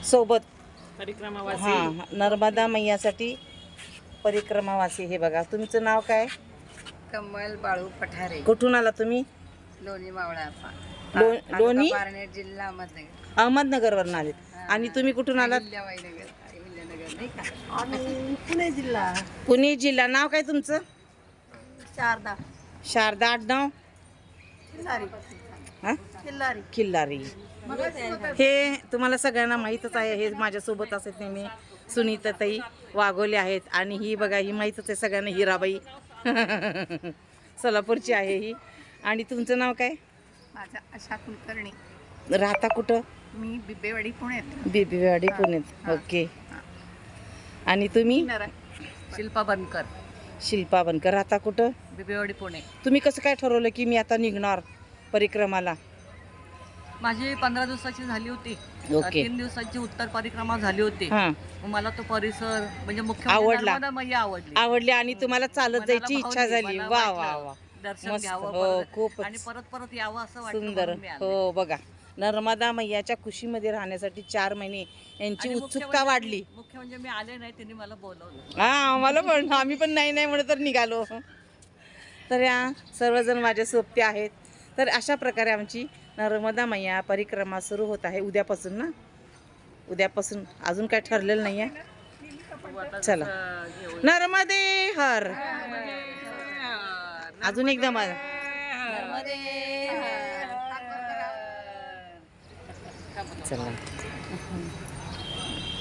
सोबत परिक्रमावासी हां नर्मदा मैयासाठी परिक्रमावासी. हे बघा तुमचं नाव काय? कमल बाळू पठारे, कुठून आला तुम्ही? लोणी मावळा, लोणी पारनेर, जिल्हा अहमदनगर. अहमदनगरवरून आलेत. आणि तुम्ही कुठून आलात? अहिल्यानगर नाही का? पुणे जिल्हा. पुणे जिल्हा. नाव काय तुमचं? शारदा शारदा. आडनाव? किल्लारी. हां किल्लारी. किल्लारी. हे तुम्हाला सगळ्यांना माहीतच आहे. हे माझ्यासोबत असत नेहमी सुनीताताई वाघोले आहेत. आणि ही बघा ही माहीतच आहे सगळ्यांना, हिराबाई सोलापूरची आहे ही. आणि तुमचं नाव काय? माझा आशा कुलकर्णी. राहता कुठं? मी बिबेवाडी पुण्यात. बिबीवाडी पुण्यात. ओके. आणि तुम्ही? शिल्पा बनकर, शिल्पा बनकर. राहता कुठं? बिबेवाडी पुणे. तुम्ही कसं काय ठरवलं की मी आता निघणार परिक्रमाला? माझी 15 दिवसाची झाली होती. ओके. 3 दिवसाची उत्तर परिक्रमा झाली होती. हां मग मला तो परिसर म्हणजे मुख्य आवडला. नर्मदा मैया आवडली. आवडली आणि तुम्हाला चालत मनाला जायची इच्छा भावली. झाली. मला वा वाटलं वा वा दर्शन मस्त. घ्यावं हो परत. खूपच आणि परत परत यावं असं वाटलं सुंदर. म्हणून मी आले. हो बघा नर्मदा मैयाच्या कुशीमध्ये राहण्यासाठी 4 महिने यांची आणि मुख्य उत्सुकता म्हणजे- वाढली. मुख्य म्हणजे मी आले नाही, त्यांनी मला बोलवलं. हा आम्हाला पण, आम्ही पण नाही नाही म्हणत तर निघालो. तर या सर्वजण माझ्या सोबते आहेत. तर अशा प्रकारे आमची नर्मदा मैया परिक्रमा सुरू होत आहे उद्यापासून ना. उद्यापासून अजून काय ठरलेलं नाही आहे. चला नर्मदे हर. अजून एकदा माझा चला.